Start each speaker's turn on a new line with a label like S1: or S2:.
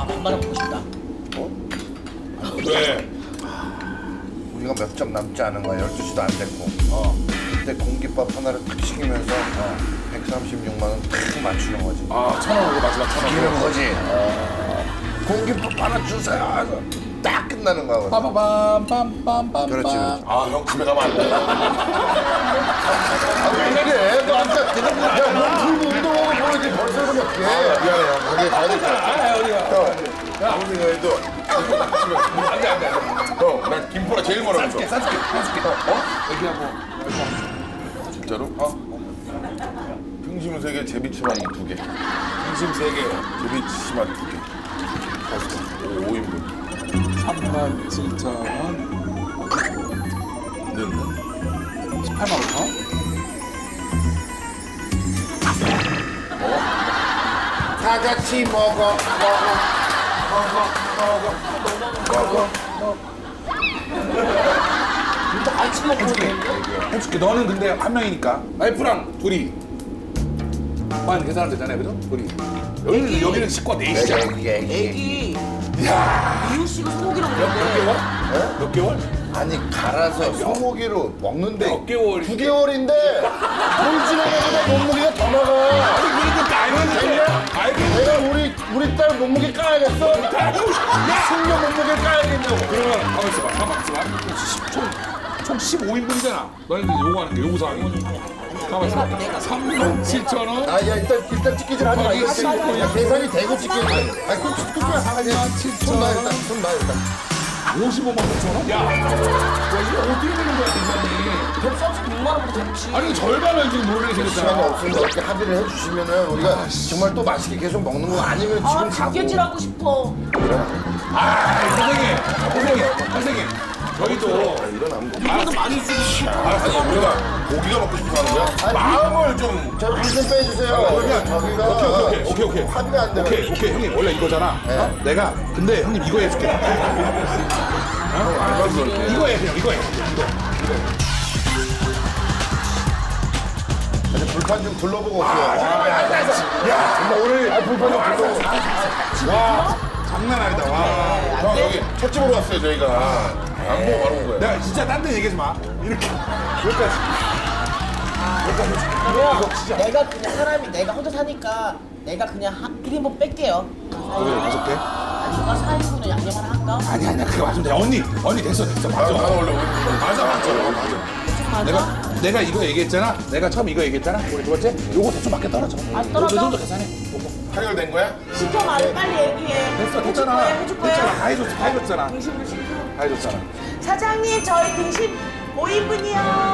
S1: 반말하고 먹고 싶다.
S2: 왜?
S3: 우리가 몇 점 남지 않은 거야. 12시도 안 됐고. 그때 공깃밥 하나를 탁 시키면서 136만 원 탁 맞추는 거지.
S2: 아, 1,000원으로 마지막 1,000원.
S3: 이런 거지. 공깃밥 하나 주세요. 하고 딱 끝나는 거야.
S2: 빠바밤
S3: 그렇지, 그렇지.
S2: 아, 형 집에 가면 안 돼.
S3: 왜 이래? 너 아까 야, 몸풀고 운동하고 보여지 벌써 이러면 어떡해. 미안해, 형. 거기에 가야 될 것 같아.
S2: 아무리 해도 안 돼. 형, 난 김포라 제일 멀어.
S1: 싸줄게.
S2: 얘기하고. 진짜로? 등심 3개, 제비치만 2개. 등심 3개, 제비치만 2개. 5인분.
S4: 37,000원.
S2: 는
S4: 18만 5천 원?
S3: 다 같이 먹어.
S1: 같이 먹고
S4: 해줄게. 너는 근데 한 명이니까. 와이프랑 둘이. 만 계산하면 되잖아요, 그죠? 둘이. 여기는 식구가 넷이잖아.
S1: 애기
S4: 야,
S1: 이웃씨가 소고기랑
S4: 몇
S1: 먹는데
S4: 개월? 몇 개월?
S3: 아니 갈아서 소고기로 먹는데
S4: 몇 개월이?
S3: 9개월인데 돌진해가지고 몸무게가 더 나가.
S4: 그러니까 알겠는데.
S3: 내가 우리 딸 몸무게 까야겠어? 숙녀 몸무게 까야겠냐고.
S4: 그러면 가만 있어봐. 총 15인분이잖아. 너희들 요구하는 게 요구 사항이. 가만 있어봐. 37,000원.
S3: 아, 야, 일단 찍기질 하지 마. 이거 야, 계산이 되고 찍기질. 아니, 그냥 하지 마. 손 놔, 일단. 손 놔, 일단.
S4: 55만 9천 원? 야, 이거 어떻게 되는 거야, 대표님?
S1: 136만 원보다 좋지.
S4: 아니, 절반을 지금 노래를
S3: 시간이
S4: 생겼잖아.
S3: 없으니까 이렇게 합의를 해주시면은 우리가 정말 또 맛있게 계속 먹는 거 아니면 지금 가고.
S1: 집게질하고 싶어.
S4: 선생님. 저희도
S3: 일어나면 돼.
S1: 이거도 많이 쓰고
S2: 아니, 우리가 고기가 먹고 싶어 하는 거야? 마음을 좀.
S3: 저 한숨 빼주세요. 저기가.
S4: 오케이.
S3: 합의가 안 되면.
S4: 오케이, 형님, 원래 이거잖아. 어? 내가, 근데 형님 이거 해줄게.
S2: 알바도 이렇게.
S4: 이거 해, 그냥 이거 해.
S3: 이제 불판 좀 둘러보고 올게요.
S4: 야, 정말 오늘
S3: 불판 좀 둘러보고.
S4: 와, 장난 아니다. 와.
S2: 형, 여기 횟집으로 왔어요, 저희가. 안 보고 바로 온 거예요.
S4: 내가 진짜 딴 데 얘기하지 마. 이렇게. 여기까지.
S1: 내가 그냥 사람이 내가 혼자 사니까 내가 그냥 1인분 뺄게요.
S4: 여기를 5개?
S1: 누가 4인분은 양념 하나 할까?
S4: 아니야, 그거 맞으면 돼. 언니 됐어.
S2: 나는
S4: 맞아.
S2: 원래 맞아.
S4: 내가 이거 얘기했잖아. 내가 처음 이거 얘기했잖아. 우리 두 번째. 요거 대충 맞게 떨어져.
S1: 안 떨어져?
S4: 요 정도 계산해. 요거.
S2: 타결된 거야?
S1: 시켜 말해 빨리 얘기해.
S4: 됐잖아.
S1: 해줄 거야.
S4: 됐잖아. 다 해줬잖아.
S1: 등심을 시켜.
S4: 다 해줬잖아.
S1: 사장님 저희 등심 5인분이요.